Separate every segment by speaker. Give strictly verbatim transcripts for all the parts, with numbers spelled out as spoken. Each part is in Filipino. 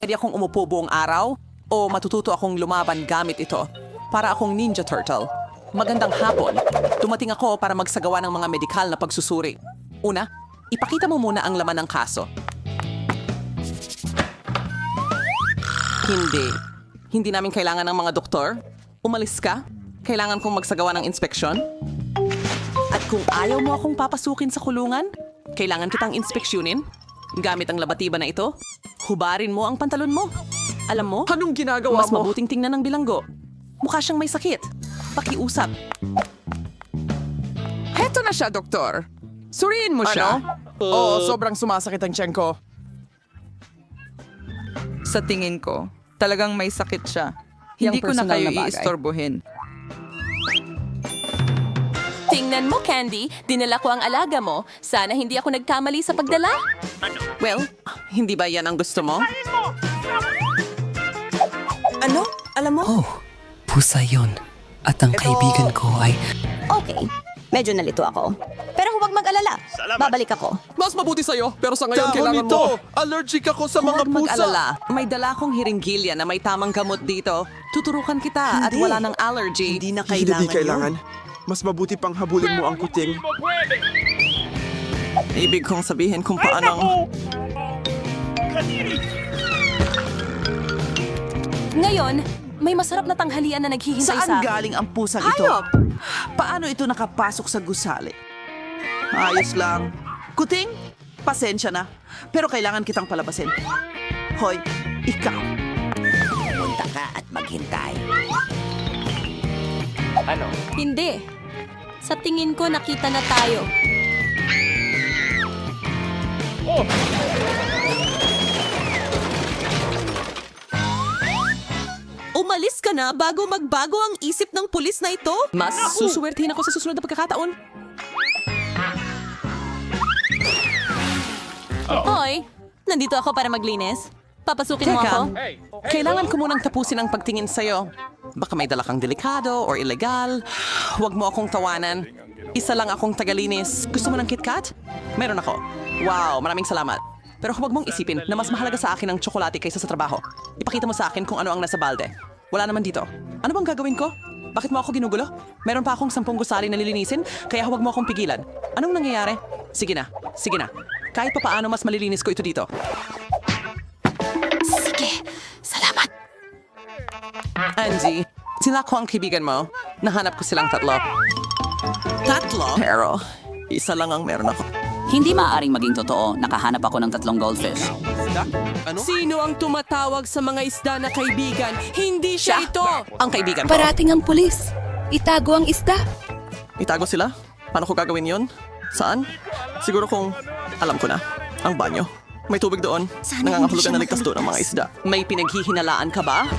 Speaker 1: Pwede akong umupo buong araw o matututo akong lumaban gamit ito para akong Ninja Turtle. Magandang hapon. Dumating ako para magsagawa ng mga medikal na pagsusuri. Una, ipakita mo muna ang laman ng kaso. Hindi. Hindi namin kailangan ng mga doktor. Umalis ka. Kailangan kong magsagawa ng inspeksyon. At kung ayaw mo akong papasukin sa kulungan, kailangan kitang inspeksyonin. Gamit ang labatiba na ito, hubarin mo ang pantalon mo. Alam mo,
Speaker 2: Anong ginagawa
Speaker 1: mas
Speaker 2: mo?
Speaker 1: mabuting tingnan ng bilanggo. Mukha siyang may sakit. Pakiusap.
Speaker 2: Heto na siya, doktor. Suriin mo siya. Oo, sobrang sumasakit ang tiyan ko.
Speaker 3: Sa tingin ko, talagang may sakit siya.
Speaker 1: Yang
Speaker 3: Hindi ko na
Speaker 1: personal
Speaker 3: kayo
Speaker 1: na bagay.
Speaker 3: iistorbohin.
Speaker 4: Tingnan mo, Candy. Dinala ko ang alaga mo. Sana hindi ako nagkamali sa pagdala.
Speaker 1: Well, hindi ba yan ang gusto mo?
Speaker 5: Ano? Alam mo?
Speaker 6: Oh, pusa yon. At ang kaibigan ko ay...
Speaker 5: Okay. Medyo nalito ako. Pero huwag mag-alala. Babalik ako.
Speaker 2: Mas mabuti sa'yo, pero sa ngayon
Speaker 7: Dahon
Speaker 2: kailangan
Speaker 7: nito!
Speaker 2: mo. Allergic ako sa mga
Speaker 1: Huwag
Speaker 2: pusa.
Speaker 1: mag-alala. May dala akong hiringgilya na may tamang gamot dito. Tuturukan kita at
Speaker 5: Hindi.
Speaker 1: wala ng allergy.
Speaker 5: Hindi na
Speaker 7: Hindi
Speaker 5: kailangan,
Speaker 7: kailangan. Mas mabuti pang habulin mo ang kuting.
Speaker 1: Ibig kong sabihin kung paano...
Speaker 4: Ngayon, may masarap na tanghalian na naghihintay sa
Speaker 8: Saan
Speaker 4: akin.
Speaker 8: galing ang pusang ito?
Speaker 1: Hayop!
Speaker 8: Paano ito nakapasok sa gusali? Ayos lang. Kuting, pasensya na. Pero kailangan kitang palabasin. Hoy, ikaw.
Speaker 5: Punta ka at maghintay.
Speaker 4: Hindi. Sa tingin ko, nakita na tayo.
Speaker 1: Umalis ka na bago magbago ang isip ng pulis na ito? Mas susuwertihin ako sa susunod na pagkakataon.
Speaker 4: Hoy, nandito ako para maglinis. Papasukin mo
Speaker 1: Teka,
Speaker 4: ako?
Speaker 1: kailangan ko munang tapusin ang pagtingin sa'yo. Baka may dala kang delikado or illegal. Huwag mo akong tawanan. Isa lang akong tagalinis. Gusto mo ng KitKat? Meron ako. Wow, maraming salamat. Pero huwag mong isipin na mas mahalaga sa akin ang tsokolate kaysa sa trabaho. Ipakita mo sa akin kung ano ang nasa balde. Wala naman dito. Ano bang gagawin ko? Bakit mo ako ginugulo? Meron pa akong sampung gusali na lilinisin, kaya huwag mo akong pigilan. Anong nangyayari? Sige na, sige na. Kahit pa paano mas malilinis ko ito dito.
Speaker 4: Sige, salamat.
Speaker 1: Angie, sila ko ang kaibigan mo. Nahanap ko silang tatlo. Tatlo? Pero, isa lang ang meron ako.
Speaker 9: Hindi maaaring maging totoo. Nakahanap ako ng tatlong goldfish.
Speaker 2: Sino ang tumatawag sa mga isda na kaibigan? Hindi siya, ito!
Speaker 1: Ang kaibigan ko.
Speaker 10: Parating ang pulis. Itago ang isda.
Speaker 1: Itago sila? Paano ko gagawin yon? Saan? Siguro kung alam ko na. Ang banyo. May tubig doon.
Speaker 5: Sana
Speaker 1: Nangangahulugan
Speaker 5: hindi
Speaker 1: na
Speaker 5: siya
Speaker 1: ligtas doon ang mga isda. May pinaghihinalaan ka ba?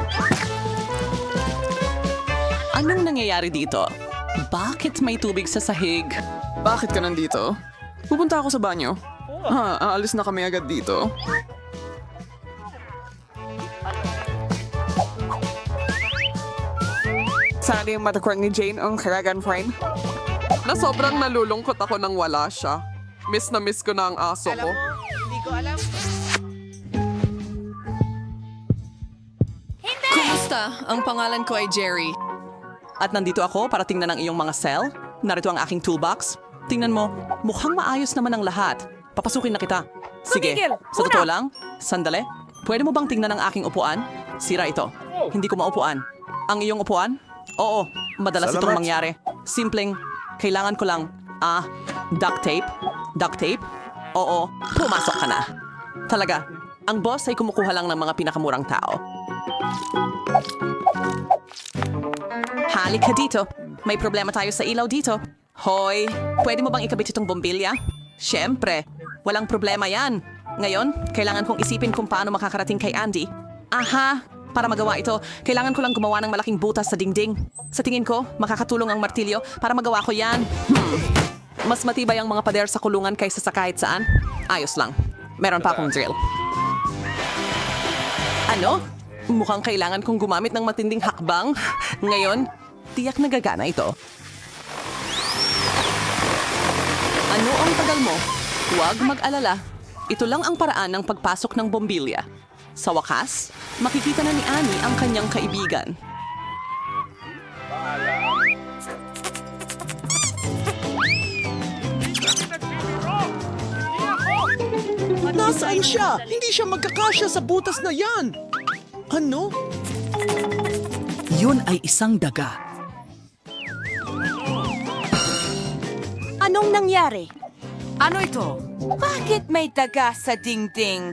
Speaker 1: Anong nangyayari dito? Bakit may tubig sa sahig?
Speaker 2: Bakit ka nandito? Pupunta ako sa banyo. Ha, aalis na kami agad dito. Sana yung matakwang ni Jane ang karagan friend. Na sobrang nalulungkot ako nang wala siya. Miss na miss ko na ang aso ko.
Speaker 1: Kumusta? Ang pangalan ko ay Jerry. At nandito ako para tingnan ang iyong mga cell. Narito ang aking toolbox. Tingnan mo, mukhang maayos naman ang lahat. Papasukin na kita. Sige, sa totoo lang, sandali. Pwede mo bang tingnan ang aking upuan? Sira ito. Hindi ko maupuan. Ang iyong upuan? Oo, madalas
Speaker 7: Salamat.
Speaker 1: itong mangyari. Simpleng, kailangan ko lang, ah, duct tape? Duct tape? Oo, pumasok ka na. Talaga, ang boss ay kumukuha lang ng mga pinakamurang tao. Halika dito. May problema tayo sa ilaw dito. Hoy, pwede mo bang ikabit itong bombilya? Siyempre, walang problema yan. Ngayon, kailangan kong isipin kung paano makakarating kay Andy. Aha, para magawa ito, kailangan ko lang gumawa ng malaking butas sa dingding. Sa tingin ko, makakatulong ang martilyo para magawa ko yan. Hmm. Mas matibay ang mga pader sa kulungan kaysa sa kahit saan. Ayos lang. Meron pa akong drill. Ano? Mukhang kailangan kong gumamit ng matinding hakbang. Ngayon, tiyak na gagana ito. Ano ang tagal mo? Huwag mag-alala. Ito lang ang paraan ng pagpasok ng bombilya. Sa wakas, makikita na ni Annie ang kanyang kaibigan.
Speaker 7: Nasaan siya? Hindi siya magkakasya sa butas na yan! Ano?
Speaker 9: Yun ay isang daga.
Speaker 5: Anong nangyari?
Speaker 3: Ano ito?
Speaker 5: Bakit may daga sa dingding?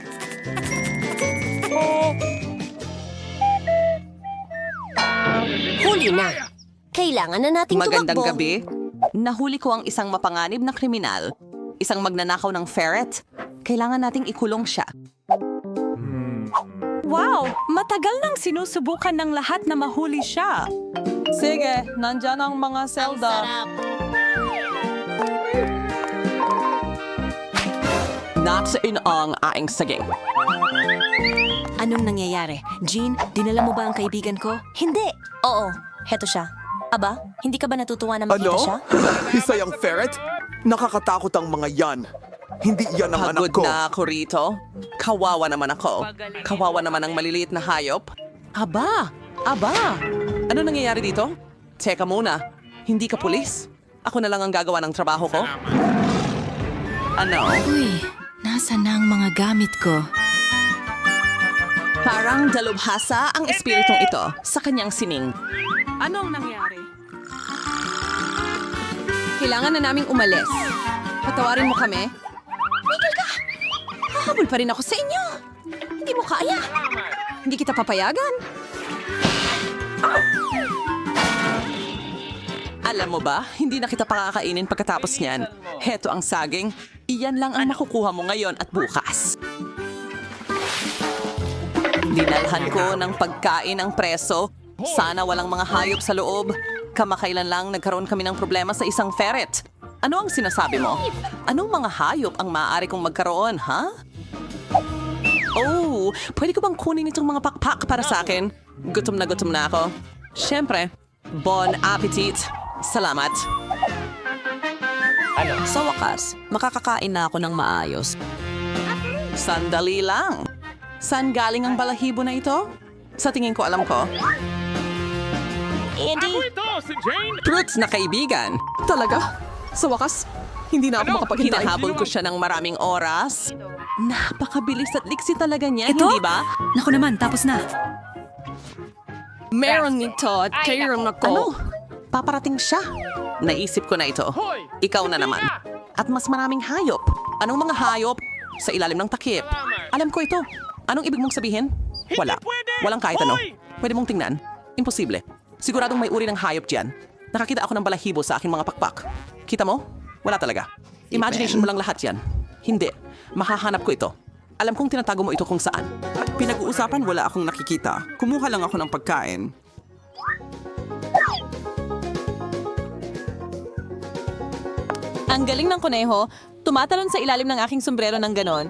Speaker 4: Huli na. Kailangan na nating
Speaker 1: Magandang
Speaker 4: tumakbo.
Speaker 1: gabi. Nahuli ko ang isang mapanganib na kriminal. Isang magnanakaw ng ferret. Kailangan nating ikulong siya.
Speaker 10: Wow! Matagal nang sinusubukan ng lahat na mahuli siya.
Speaker 1: Sige, nandyan ang mga selda. Natsain ang aing saging.
Speaker 4: Anong nangyayari? Jean, dinala mo ba ang kaibigan ko? Hindi. Oo, heto siya. Aba, hindi ka ba natutuwa na makita
Speaker 7: Ano?
Speaker 4: siya?
Speaker 7: Isa yung ferret? Nakakatakot ang mga yan. Hindi yan ang anak
Speaker 1: Pagod
Speaker 7: ko.
Speaker 1: na ako rito. Kawawa naman ako. Kawawa naman ang maliliit na hayop. Aba! Aba! Ano nangyayari dito? Teka muna. Hindi ka pulis? Ako na lang ang gagawa ng trabaho ko? Ano?
Speaker 10: Uy, nasa na ang mga gamit ko?
Speaker 1: Parang dalubhasa ang espiritong ito sa kanyang sining.
Speaker 10: Anong nangyari?
Speaker 4: Kailangan na naming umalis. Patawarin mo kami. Miguel ka! Hahabol pa rin ako sa inyo. Hindi mo kaya. Hindi kita papayagan.
Speaker 1: Alam mo ba, hindi na kita pakakainin pagkatapos niyan. Heto ang saging. Iyan lang ang makukuha mo ngayon at bukas. Dinalhan ko ng pagkain ang preso. Sana walang mga hayop sa loob. Kamakailan lang nagkaroon kami ng problema sa isang ferret. Ano ang sinasabi mo? Anong mga hayop ang maaari kong magkaroon, ha? Oh, pwede ko bang kunin itong mga pakpak para sa akin? Gutom na gutom na ako. Siyempre, bon appetit. Salamat.
Speaker 11: Sa wakas, makakakain na ako ng maayos.
Speaker 1: Sandali lang. Saan galing ang balahibo na ito? Sa tingin ko alam ko.
Speaker 4: Andy,
Speaker 1: Fruits na kaibigan.
Speaker 2: Talaga? Sa wakas, hindi na ako makapaghintay.
Speaker 1: Hinahabol ko siya ng maraming oras. Napakabilis at liksi talaga niya,
Speaker 10: Ito?
Speaker 1: hindi ba?
Speaker 10: Naku naman, tapos na.
Speaker 1: Meron nito at kairon ako. Ano? Paparating siya. Naisip ko na ito. Ikaw na naman. At mas maraming hayop. Anong mga hayop? Sa ilalim ng takip. Alam ko ito. Anong ibig mong sabihin? Wala. Walang kahit ano. Pwede mong tingnan. Imposible. Siguradong may uri ng hayop diyan. Nakakita ako ng balahibo sa aking mga pakpak. Kita mo? Wala talaga. Imagination mo lang lahat yan. Hindi. Mahahanap ko ito. Alam kong tinatago mo ito kung saan.
Speaker 8: Pinag-uusapan wala akong nakikita. Kumuha lang ako ng pagkain.
Speaker 4: ang galing ng kuneho. Tumatalon sa ilalim ng aking sombrero ng ganon.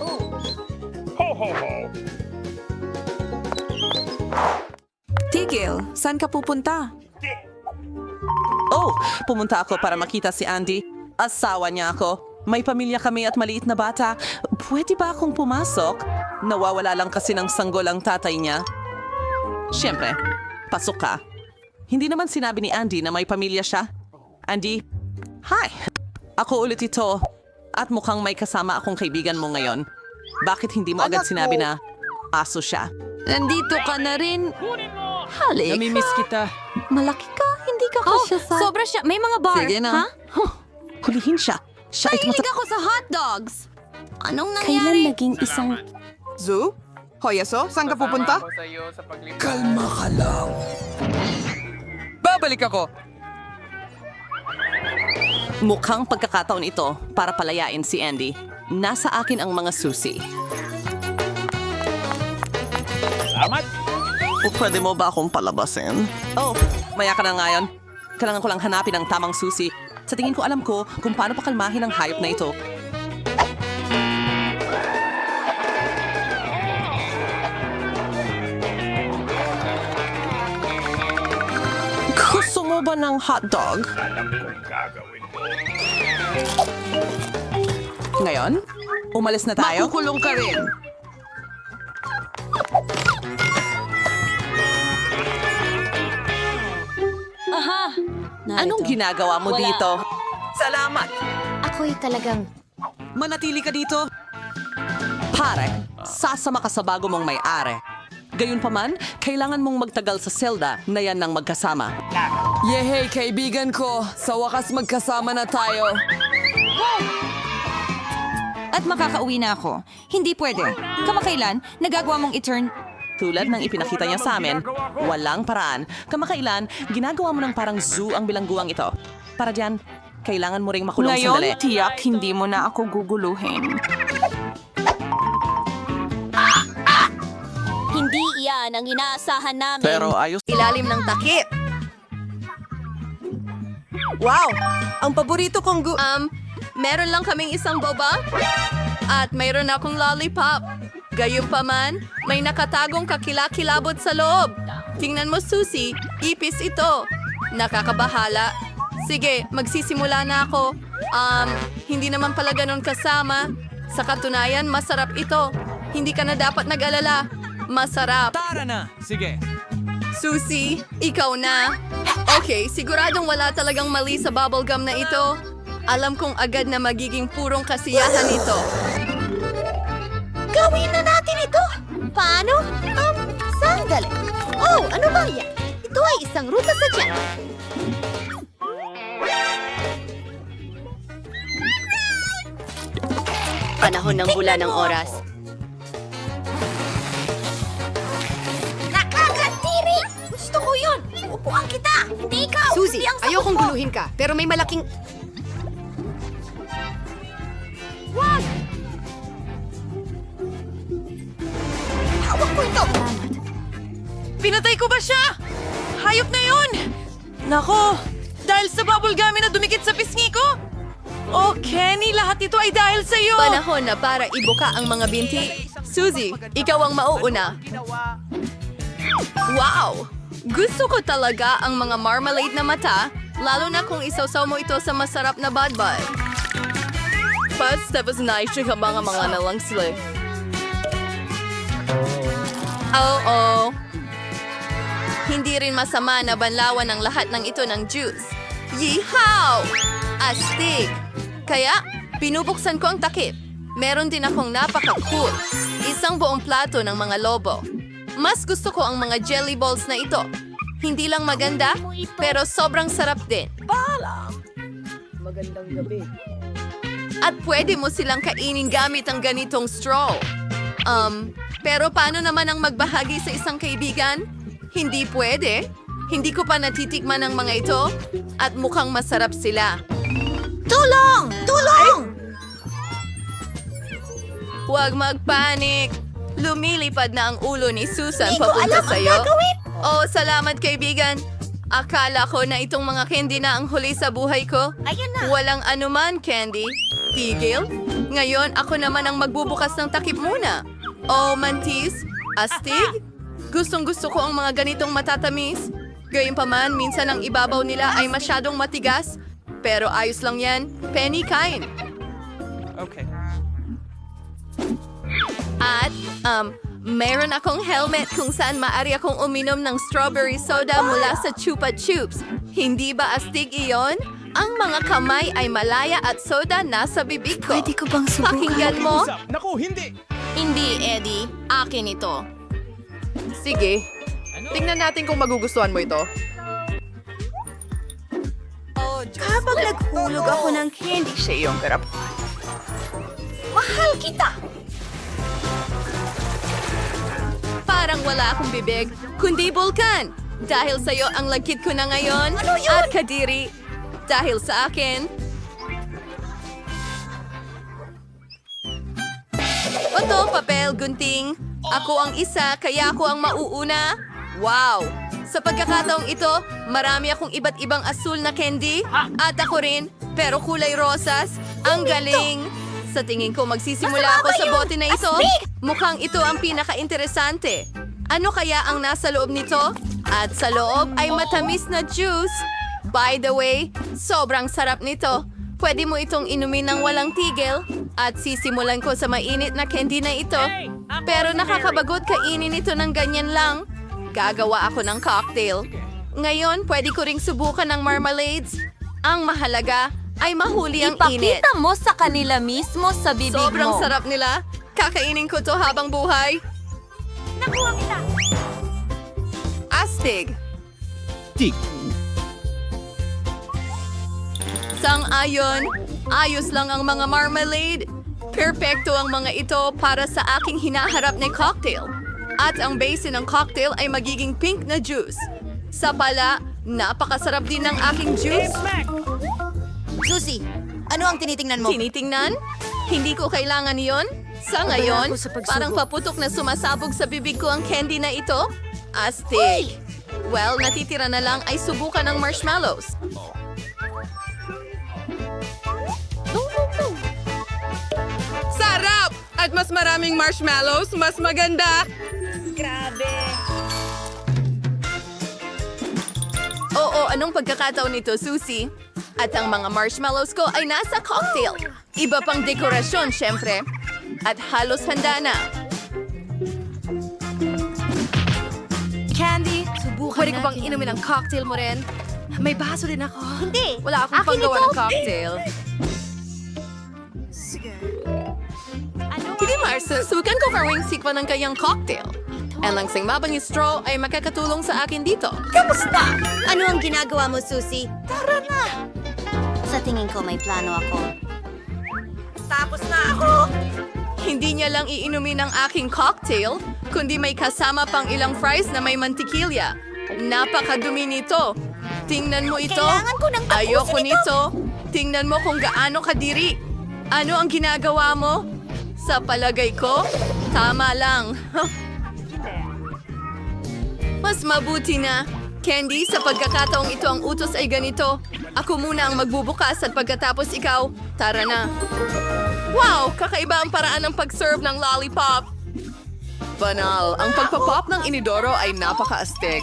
Speaker 3: Tigil, saan ka pupunta?
Speaker 1: Oh, pumunta ako para makita si Andy. Asawa niya ako. May pamilya kami at maliit na bata. Pwede ba akong pumasok? Nawawala lang kasi ng sanggol ang tatay niya. Siyempre, pasok ka. Hindi naman sinabi ni Andy na may pamilya siya. Andy, hi! Ako ulit ito. At mukhang may kasama akong kaibigan mo ngayon. Bakit hindi mo agad sinabi na aso siya?
Speaker 3: Nandito ka na rin.
Speaker 4: Halik.
Speaker 3: Namimiss kita.
Speaker 4: Malaki ka, hindi ka kasya sa... Sobra siya. May mga bar.
Speaker 3: Sige na.
Speaker 4: Ha?
Speaker 1: Hulihin siya. Siya ay
Speaker 4: Mahilig ako sa hotdogs. Anong nangyari? Kailan naging isang...
Speaker 2: Zoo? Hoyaso, saan ka pupunta?
Speaker 7: Kalma ka lang.
Speaker 3: Babalik ako.
Speaker 1: Mukhang pagkakataon ito para palayain si Andy. Nasa akin ang mga susi. Salamat! O pwede mo ba akong palabasin? Oh, maya ka na ngayon. Kailangan ko lang hanapin ang tamang susi. Sa tingin ko alam ko kung paano pakalmahin ang hayop na ito. Gusto mo ba ng hotdog? Ngayon, umalis na tayo.
Speaker 2: Makukulong ka rin.
Speaker 1: Anong ginagawa mo dito?
Speaker 6: Salamat!
Speaker 5: Ako'y talagang...
Speaker 6: Manatili ka dito!
Speaker 1: Pare, sasama ka sa bago mong may-ari. Gayunpaman, kailangan mong magtagal sa selda na yan ng magkasama.
Speaker 2: Yehey, kaibigan ko! Sa wakas magkasama na tayo.
Speaker 4: At makakauwi na ako. Hindi pwede. Kamakailan, nagagawa mong i-turn...
Speaker 1: Tulad ng ipinakita niya sa amin, walang paraan. Kamakailan, ginagawa mo ng parang zoo ang bilangguang ito. Para diyan, kailangan mo ring makulong sandali.
Speaker 3: tiyak hindi mo na ako guguluhin.
Speaker 5: Hindi iyan ang inaasahan namin.
Speaker 1: ayos.
Speaker 4: Ilalim ng takip. Wow! Ang paborito kong gu... Um, meron lang kaming isang boba at mayroon akong lollipop. Gayunpaman, may nakatagong kakilakilabot sa loob. Tingnan mo, Susie, ipis ito. Nakakabahala. Sige, magsisimula na ako. Um, hindi naman pala ganun kasama. Sa katunayan, masarap ito. Hindi ka na dapat nag-alala. Masarap.
Speaker 6: Tara na! Sige!
Speaker 4: Susie, ikaw na. Okay, siguradong wala talagang mali sa bubblegum na ito. Alam kong agad na magiging purong kasiyahan ito.
Speaker 5: Gawin na natin ito! Paano? Um, sandali. Oh, ano ba yan? Ito ay isang ruta sa tiyan.
Speaker 4: Panahon ng bula ng oras.
Speaker 5: Nakakatiri! Gusto ko yun! Upuan kita! Hindi ikaw!
Speaker 11: Suzy,
Speaker 5: Hindi ang sagot
Speaker 11: ayokong
Speaker 5: ko.
Speaker 11: guluhin ka, pero may malaking...
Speaker 5: Wag! Hawak ko ito!
Speaker 4: Pinatay ko ba siya? Hayop na yun! Nako, dahil sa bubble gum na dumikit sa pisngi ko? Oh, Kenny, lahat ito ay dahil sa iyo! Panahon na para ibuka ang mga binti. Suzy, ikaw ang mauuna. Wow! Gusto ko talaga ang mga marmalade na mata, lalo na kung isawsaw mo ito sa masarap na badbad. First step is nice siya mga mga nalang sila. Oo. Hindi rin masama na banlawan ang lahat ng ito ng juice. Yeehaw! Astig! Kaya, pinubuksan ko ang takip. Meron din akong napaka-cool. Isang buong plato ng mga lobo. Mas gusto ko ang mga jelly balls na ito. Hindi lang maganda, pero sobrang sarap din.
Speaker 11: Magandang gabi.
Speaker 4: At pwede mo silang kainin gamit ang ganitong straw. Um, pero paano naman ang magbahagi sa isang kaibigan? Hindi pwede. Hindi ko pa natitikman ang mga ito at mukhang masarap sila.
Speaker 5: Tulong! Tulong!
Speaker 4: Huwag magpanik. Lumilipad na ang ulo ni Susan
Speaker 5: Hindi ko
Speaker 4: papunta
Speaker 5: alam ang
Speaker 4: sa'yo.
Speaker 5: gagawin.
Speaker 4: Oh, salamat kaibigan. Akala ko na itong mga candy na ang huli sa buhay ko.
Speaker 5: Ayan na.
Speaker 4: Walang anuman, Candy. Tigil. Ngayon, ako naman ang magbubukas ng takip muna. Oh, mantis. Astig. Gustong gusto ko ang mga ganitong matatamis. Gayunpaman, minsan ang ibabaw nila ay masyadong matigas. Pero ayos lang yan. Penny, kain.
Speaker 6: Okay.
Speaker 4: At, um, mayroon akong helmet kung saan maaari akong uminom ng strawberry soda mula sa Chupa Chups. Hindi ba astig iyon? Ang mga kamay ay malaya at soda nasa bibig ko.
Speaker 3: Pwede ko bang subukan?
Speaker 4: Pakinggan mo?
Speaker 7: Naku, hindi!
Speaker 4: Hindi, Eddie. Akin ito. Sige. Tingnan natin kung magugustuhan mo ito.
Speaker 3: Kapag naghulog ako ng candy sa iyong garap.
Speaker 5: Mahal kita!
Speaker 4: Parang wala akong bibig, kundi bulkan. Dahil sa'yo ang lagkit ko na ngayon.
Speaker 5: Ano yun?
Speaker 4: At kadiri. Dahil sa akin. Oto, papel, gunting. Ako ang isa, kaya ako ang mauuna. Wow! Sa pagkakataong ito, marami akong iba't ibang asul na candy. At ako rin, pero kulay rosas. Ang galing! Sa tingin ko, magsisimula ako sa bote na ito. Mukhang ito ang pinaka-interesante. Ano kaya ang nasa loob nito? At sa loob ay matamis na juice. By the way, sobrang sarap nito. Pwede mo itong inumin ng walang tigil. At sisimulan ko sa mainit na candy na ito. Pero nakakabagot kainin ito ng ganyan lang. Gagawa ako ng cocktail. Ngayon, pwede ko ring subukan ng marmalades. Ang mahalaga ay mahuli ang init.
Speaker 5: Ipakita mo sa kanila mismo sa bibig
Speaker 4: Sobrang
Speaker 5: mo.
Speaker 4: sarap nila. Kakainin ko to habang buhay.
Speaker 3: Nakuha kita.
Speaker 4: Astig.
Speaker 7: Tig.
Speaker 4: Sang-ayon, ayos lang ang mga marmalade. Perpekto ang mga ito para sa aking hinaharap na cocktail. At ang base ng cocktail ay magiging pink na juice. Sa pala, napakasarap din ng aking juice.
Speaker 5: Susie, ano ang tinitingnan mo?
Speaker 4: Tinitingnan? Hindi ko kailangan yon. Sa ngayon,
Speaker 3: ako sa pagsubok.
Speaker 4: parang paputok na sumasabog sa bibig ko ang candy na ito. Astig. Well, natitira na lang ay subukan ng marshmallows. Sarap! At mas maraming marshmallows, mas maganda.
Speaker 3: Grabe.
Speaker 4: Oo, anong pagkakataon nito, Susie? At ang mga marshmallows ko ay nasa cocktail. Iba pang dekorasyon, syempre. At halos handa na.
Speaker 3: Candy, subukan
Speaker 4: Pwede ko bang inumin ang cocktail mo rin? May baso din ako.
Speaker 5: Hindi.
Speaker 4: Wala akong
Speaker 5: Akin
Speaker 4: panggawa
Speaker 5: ito.
Speaker 4: ng cocktail. Sige, Marcel. Sukan ko for wings sikpa ng kayang cocktail. Ang langsing mabang straw ay makakatulong sa akin dito.
Speaker 5: Kamusta? Ano ang ginagawa mo, Susie? Tara na! Sa tingin ko may plano ako. Tapos na ako!
Speaker 4: Hindi niya lang iinumin ang aking cocktail, kundi may kasama pang ilang fries na may mantikilya. Napakadumi nito. Tingnan mo ito.
Speaker 5: Kailangan ko ng tapusin
Speaker 4: Ayoko
Speaker 5: ito.
Speaker 4: nito. Tingnan mo kung gaano kadiri. Ano ang ginagawa mo? Sa palagay ko, tama lang. Mas mabuti na. Candy, sa pagkakataong ito ang utos ay ganito. Ako muna ang magbubukas at pagkatapos ikaw, tara na. Wow! Kakaiba ang paraan ng pag-serve ng lollipop. Banal. Ang pagpapop ng inidoro ay napaka-astig.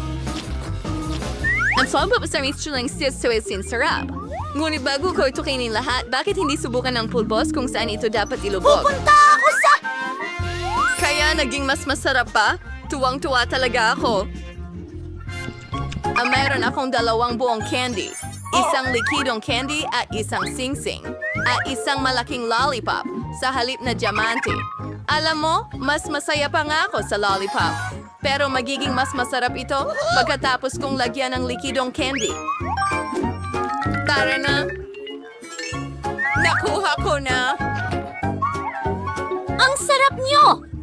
Speaker 4: Ang sobrang sa mixture ng sis to isin sarap. Ngunit bago ko ito kainin lahat, bakit hindi subukan ng pulbos kung saan ito dapat ilubog?
Speaker 5: Pupunta ako sa...
Speaker 4: Kaya naging mas masarap pa? Tuwang-tuwa talaga ako. Ah, mayroon akong dalawang buong candy. Isang likidong candy at isang sing-sing. At isang malaking lollipop sa halip na diamante. Alam mo, mas masaya pa nga ako sa lollipop. Pero magiging mas masarap ito pagkatapos kong lagyan ng likidong candy. Tara na. Nakuha ko na.
Speaker 5: Ang sarap niyo!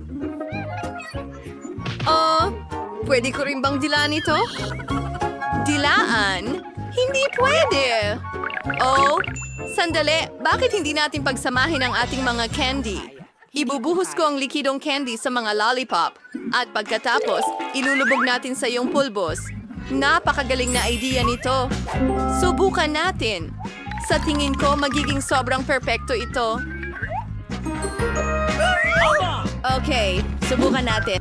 Speaker 4: Oh, pwede ko rin bang dilaan ito? Dilaan? Hindi pwede. Oh, sandali. Bakit hindi natin pagsamahin ang ating mga candy? Ibubuhos ko ang likidong candy sa mga lollipop. At pagkatapos, ilulubog natin sa iyong pulbos. Napakagaling na idea nito. Subukan natin. Sa tingin ko, magiging sobrang perpekto ito. Okay, subukan natin.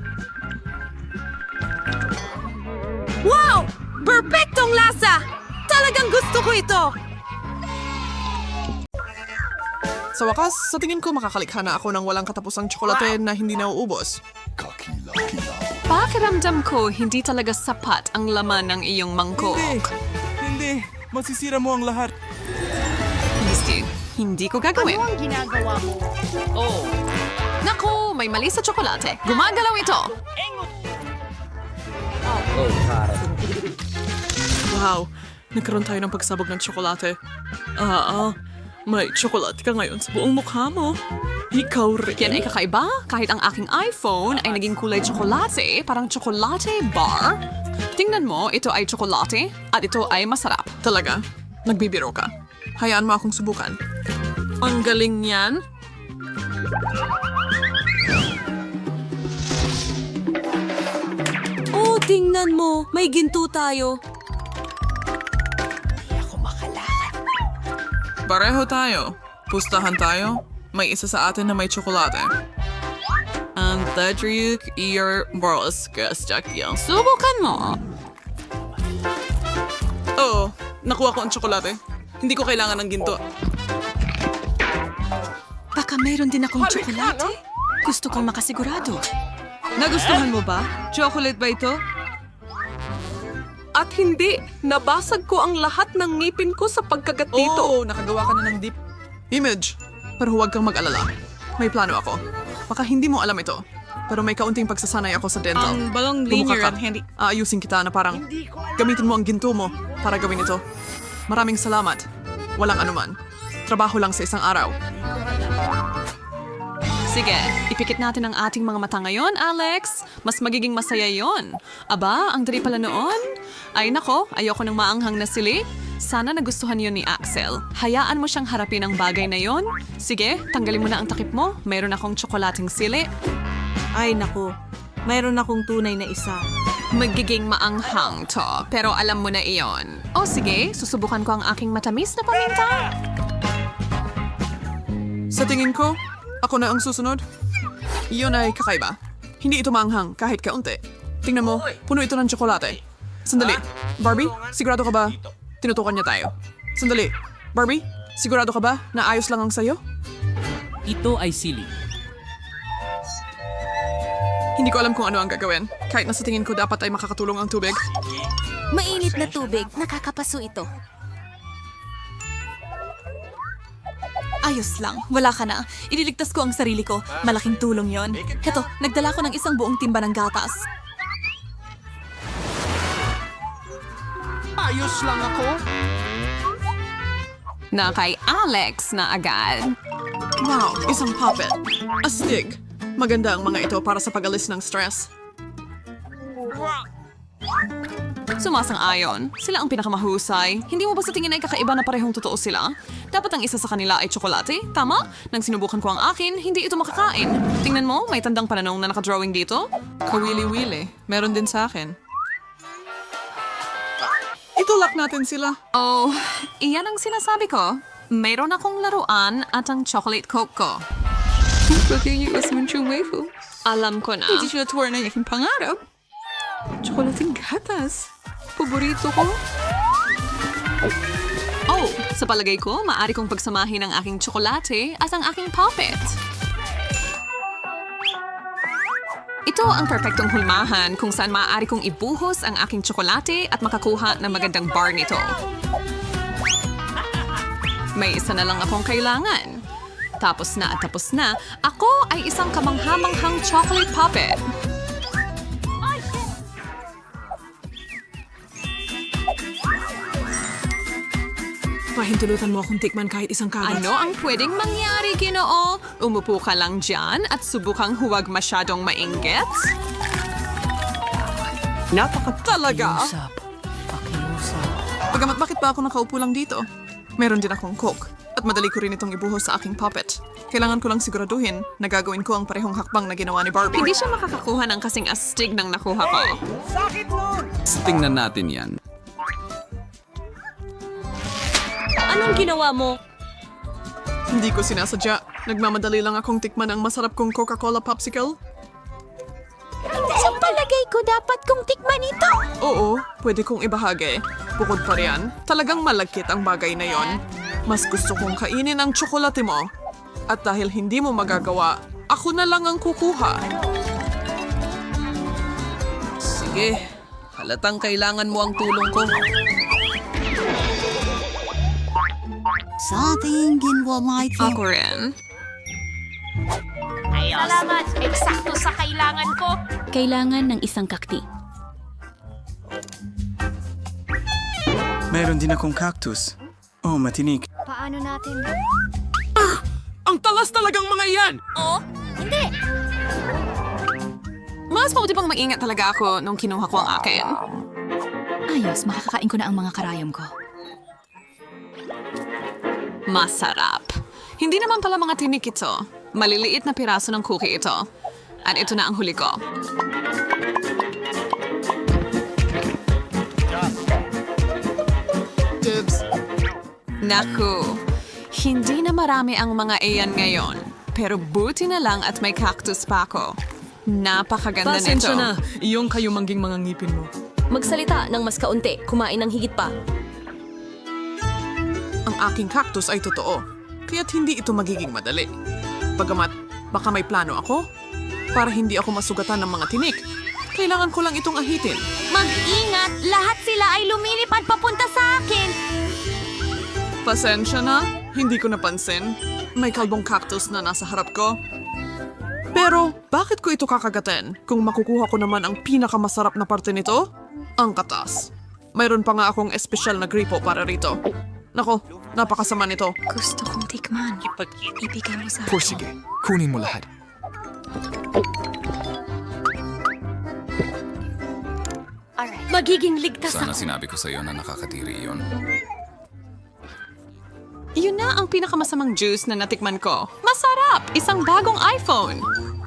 Speaker 2: Wow! Perpektong lasa! Talagang gusto ko ito! Sa wakas, sa tingin ko makakalikha na ako ng walang katapusang tsokolate na hindi nauubos.
Speaker 10: Pakiramdam ko hindi talaga sapat ang laman ng iyong mangkok.
Speaker 7: Hindi. Masisira mo ang lahat.
Speaker 10: Misty, hindi ko gagawin.
Speaker 3: Ano ang ginagawa mo?
Speaker 10: Oh. Naku, may mali sa tsokolate. Gumagalaw ito.
Speaker 2: Wow, nagkaroon tayo ng pagsabog ng tsokolate. Ah, ah, may tsokolate ka ngayon sa buong mukha mo. Ikaw rin.
Speaker 10: Yan ay kakaiba. Kahit ang aking iPhone ay naging kulay tsokolate, parang tsokolate bar. Tingnan mo, ito ay tsokolate at ito ay masarap.
Speaker 2: Talaga? Nagbibiro ka? Hayaan mo akong subukan. Ang galing niyan.
Speaker 11: Oh, tingnan mo. May ginto tayo.
Speaker 2: Pareho tayo. Pustahan tayo. May isa sa atin na may tsokolate. Ang Tadriuk Ear Boroskas Jackyan.
Speaker 10: Subukan mo.
Speaker 2: Oo, nakuha ko ang tsokolate. Hindi ko kailangan ng ginto.
Speaker 10: Baka mayroon din akong tsokolate. Gusto kong makasigurado. Nagustuhan mo ba? Chocolate ba ito? At hindi, nabasag ko ang lahat ng ngipin ko sa pagkagat dito.
Speaker 2: Oo, nakagawa ka na ng deep image. Pero huwag kang mag-alala. May plano ako. Baka hindi mo alam ito. Pero may kaunting pagsasanay ako sa dental.
Speaker 10: Ang balong
Speaker 2: Bumuka
Speaker 10: linear
Speaker 2: ka.
Speaker 10: at hindi.
Speaker 2: Aayusin kita na parang gamitin mo ang ginto mo para gawin ito. Maraming salamat. Walang anuman. Trabaho lang sa isang araw.
Speaker 10: Sige, ipikit natin ang ating mga mata ngayon, Alex. Mas magiging masaya yon. Aba, ang dali pala noon. Ay nako, ayoko ng maanghang na sili. Sana nagustuhan yon ni Axel. Hayaan mo siyang harapin ang bagay na yon. Sige, tanggalin mo na ang takip mo. Mayroon akong tsokolating sili.
Speaker 11: Ay naku, mayroon akong tunay na isa.
Speaker 10: Magiging maanghang to, pero alam mo na iyon. O sige, susubukan ko ang aking matamis na paminta.
Speaker 2: Sa tingin ko, ako na ang susunod. Iyon ay kakaiba. Hindi ito maanghang kahit kaunti. Tingnan mo, puno ito ng tsokolate. Sandali. Barbie, sigurado ka ba? Tinutukan niya tayo. Sandali. Barbie, sigurado ka ba na ayos lang ang sayo?
Speaker 6: Ito ay sili.
Speaker 2: Hindi ko alam kung ano ang gagawin. Kahit na sa tingin ko dapat ay makakatulong ang tubig.
Speaker 5: Mainit na tubig, nakakapaso ito.
Speaker 12: Ayos lang, wala ka na. Ililigtas ko ang sarili ko. Malaking tulong yon. Heto, nagdala ko ng isang buong timba ng gatas.
Speaker 7: Ayos lang ako.
Speaker 10: Na kay Alex na agad.
Speaker 2: Wow, isang puppet. Astig. Maganda ang mga ito para sa pag-alis ng stress.
Speaker 10: Sumasang-ayon. Sila ang pinakamahusay. Hindi mo ba sa tingin ay kakaiba na parehong totoo sila? Dapat ang isa sa kanila ay tsokolate? Tama? Nang sinubukan ko ang akin, hindi ito makakain. Tingnan mo, may tandang pananong na nakadrawing dito.
Speaker 2: Kawili-wili. Meron din sa akin. Itulak natin sila.
Speaker 10: Oh, iyan ang sinasabi ko. Mayroon akong laruan at ang chocolate coke ko. Alam ko na.
Speaker 2: Hindi sila tuwar na yaking pangarap. Tsokolating gatas. Paborito ko.
Speaker 10: Oh, sa palagay ko, maaari kong pagsamahin ang aking tsokolate at ang aking puppet. Ito ang perpektong hulmahan kung saan maaari kong ibuhos ang aking tsokolate at makakuha ng magandang bar nito. May isa na lang akong kailangan. Tapos na at tapos na, ako ay isang kamanghamanghang chocolate puppet.
Speaker 11: Pahintulutan mo akong tikman kahit isang kagat.
Speaker 10: Ano ang pwedeng mangyari, Ginoo? Umupo ka lang dyan at subukang huwag masyadong mainggit?
Speaker 7: Napaka...
Speaker 2: Talaga?
Speaker 6: Usap. Pakiusap.
Speaker 2: Pagamat bakit ba ako nakaupo lang dito? Meron din akong coke. At madali ko rin itong ibuhos sa aking puppet. Kailangan ko lang siguraduhin na gagawin ko ang parehong hakbang na ginawa ni Barbie.
Speaker 10: Hindi siya makakakuha ng kasing astig ng nakuha ko.
Speaker 9: Tingnan natin yan.
Speaker 11: Anong ginawa mo?
Speaker 2: Hindi ko sinasadya. Nagmamadali lang akong tikman ang masarap kong Coca-Cola popsicle.
Speaker 5: Sa palagay ko, dapat kong tikman ito.
Speaker 2: Oo, pwede kong ibahagi. Bukod pa riyan, talagang malagkit ang bagay na yon. Mas gusto kong kainin ang tsokolate mo. At dahil hindi mo magagawa, ako na lang ang kukuha. Sige, halatang kailangan mo ang tulong ko.
Speaker 5: Sa ating ginwa might
Speaker 10: Ako rin.
Speaker 5: Salamat, eksakto sa kailangan ko.
Speaker 12: Kailangan ng isang kakti.
Speaker 13: Meron din akong cactus. Oh, matinik.
Speaker 5: Paano natin?
Speaker 7: Ang talas talagang mga iyan!
Speaker 5: Oh, hindi.
Speaker 10: Mas mabuti pang maingat talaga ako nung kinuha ko ang akin.
Speaker 12: Ayos, makakakain ko na ang mga karayom ko.
Speaker 10: Masarap. Hindi naman pala mga tinik ito. Maliliit na piraso ng cookie ito. At ito na ang huli ko.
Speaker 2: Dibs.
Speaker 10: Naku, hindi na marami ang mga iyan ngayon. Pero buti na lang at may cactus pa ako. Napakaganda nito.
Speaker 11: Pasensya na.
Speaker 2: Iyong kayumangging mga ngipin mo.
Speaker 11: Magsalita ng mas kaunti, kumain ng higit pa.
Speaker 2: Ang aking cactus ay totoo, kaya't hindi ito magiging madali. Pagamat, baka may plano ako para hindi ako masugatan ng mga tinik. Kailangan ko lang itong ahitin.
Speaker 5: Mag-ingat! Lahat sila ay lumilipad papunta sa akin!
Speaker 2: Pasensya na, hindi ko napansin. May kalbong cactus na nasa harap ko. Pero, bakit ko ito kakagatin kung makukuha ko naman ang pinakamasarap na parte nito? Ang katas. Mayroon pa nga akong espesyal na gripo para rito. Nako, napakasama nito.
Speaker 5: Gusto kong tikman. Ibigay mo sa akin.
Speaker 14: Sige, kunin mo lahat.
Speaker 5: Magiging ligtas
Speaker 14: Sana
Speaker 5: ako.
Speaker 14: sinabi ko sa iyo na nakakadiri yon.
Speaker 10: Yun na ang pinakamasamang juice na natikman ko. Masarap! Isang bagong iPhone!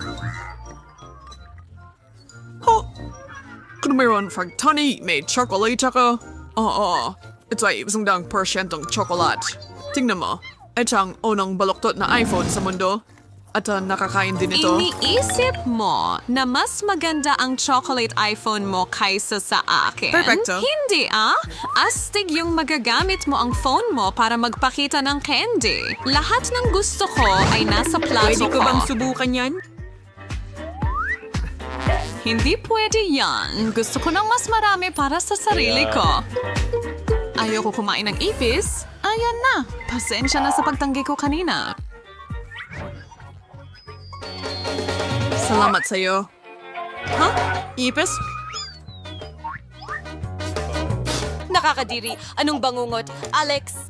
Speaker 2: Ho! Kung mayroon frag tani, may chocolate ako. Oo, ito ay isang daang porsyentong chocolate. Tingnan mo, ito ang unang baluktot na iPhone sa mundo. At uh, nakakain din ito.
Speaker 10: Iniisip mo na mas maganda ang chocolate iPhone mo kaysa sa akin?
Speaker 2: Perfecto.
Speaker 10: Hindi ah! Astig yung magagamit mo ang phone mo para magpakita ng candy. Lahat ng gusto ko ay nasa plato
Speaker 11: Pwede ko bang
Speaker 10: ko.
Speaker 11: subukan yan?
Speaker 10: Hindi pwede yan. Gusto ko ng mas marami para sa sarili ko. Ayoko kumain ng ipis. Ayan na. Pasensya na sa pagtanggi ko kanina.
Speaker 2: Salamat sa'yo. Huh? Ipis?
Speaker 12: Nakakadiri. Anong bangungot? Alex,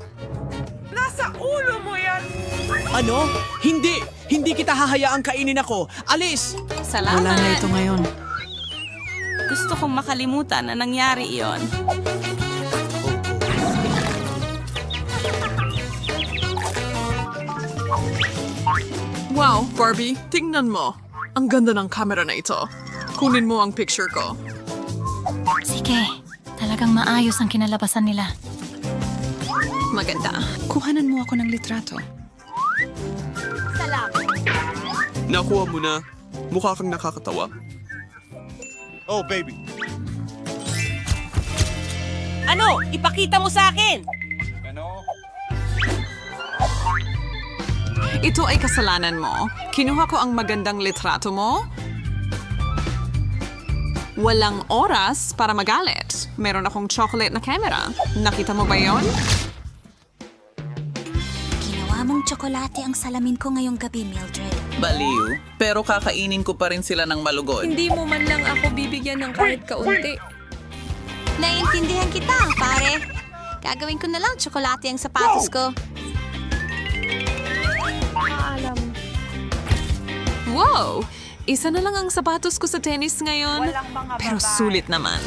Speaker 7: Ano? Hindi! Hindi kita hahayaang kainin ako. Alis!
Speaker 10: Salamat.
Speaker 11: Wala na ito ngayon.
Speaker 12: gusto kong makalimutan na nangyari iyon.
Speaker 2: Wow, Barbie, tingnan mo. Ang ganda ng camera na ito. Kunin mo ang picture ko.
Speaker 5: Sige, talagang maayos ang kinalabasan nila.
Speaker 10: Maganda. Kuhanan mo ako ng litrato.
Speaker 2: Nakuha mo na. Mukha kang nakakatawa.
Speaker 15: Oh, baby.
Speaker 11: Ano? Ipakita mo sa akin!
Speaker 10: Ito ay kasalanan mo. Kinuha ko ang magandang litrato mo. Walang oras para magalit. Meron akong chocolate na camera. Nakita mo ba yon?
Speaker 5: Ginawa mong tsokolate ang salamin ko ngayong gabi, Mildred.
Speaker 8: Baliw. Pero kakainin ko pa rin sila ng malugod.
Speaker 4: Hindi mo man lang ako bibigyan ng kahit kaunti.
Speaker 5: Naiintindihan kita, pare. Gagawin ko na lang tsokolate ang sapatos ko.
Speaker 10: Wow! Isa na lang ang sapatos ko sa tennis ngayon. Pero sulit naman.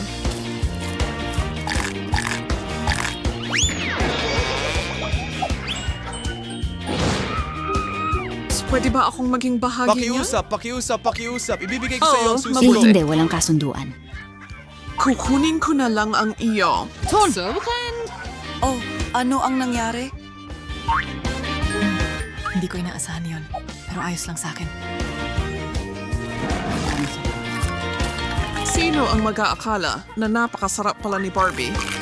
Speaker 2: Pwede ba akong maging bahagi niya?
Speaker 15: Pakiusap, pakiusap, pakiusap. Ibibigay ko sa iyo
Speaker 2: Oo,
Speaker 15: ang susunod.
Speaker 5: Hindi, walang kasunduan.
Speaker 2: Kukunin ko na lang ang iyo.
Speaker 10: Subukan!
Speaker 11: Oh, ano ang nangyari? Hindi ko inaasahan yon, pero ayos lang sa akin.
Speaker 2: Sino ang mag-aakala na napakasarap pala ni Barbie?